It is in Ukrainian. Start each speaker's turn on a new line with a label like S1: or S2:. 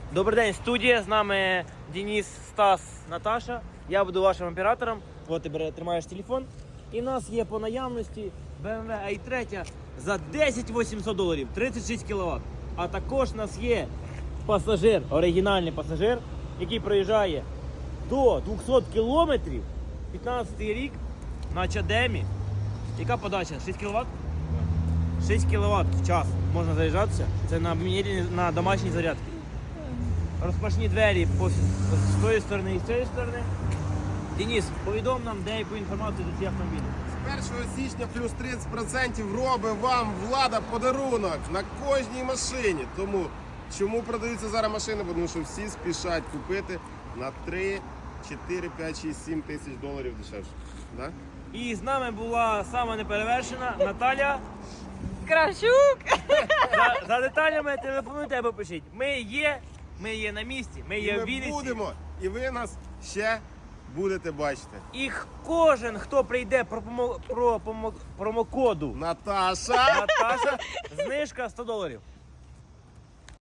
S1: Добрий день, студія. З нами Денис, Стас, Наташа. Я буду вашим оператором. От ти тримаєш телефон. І в нас є по наявності BMW i3 за 10 800 доларів, 36 кВт. А також у нас є пасажир, оригінальний пасажир, який проїжджає до 200 кілометрів, 15 рік на чадемі. Яка подача? 6 кВт? 6 кВт в час можна заряджатися. Це на домашній зарядці. Розпашні двері з тої сторони і з цієї сторони. Денис, повідом нам деяку інформацію за ці автомобілі.
S2: З 1 січня плюс 30% робить вам влада подарунок на кожній машині. Тому чому продаються зараз машини? Тому що всі спішать купити на 3, 4, 5, 6, 7 тисяч доларів дешевше. Да?
S1: І з нами була сама неперевершена Наталя.
S3: Кравчук!
S1: За деталями телефонуйте або пишіть. Ми є на місці, ми є в
S2: І ми
S1: Вінниці.
S2: будемо, і ви нас ще будете бачити.
S1: І кожен, хто прийде промокоду
S2: Наташа!
S1: Наташа, знижка $100.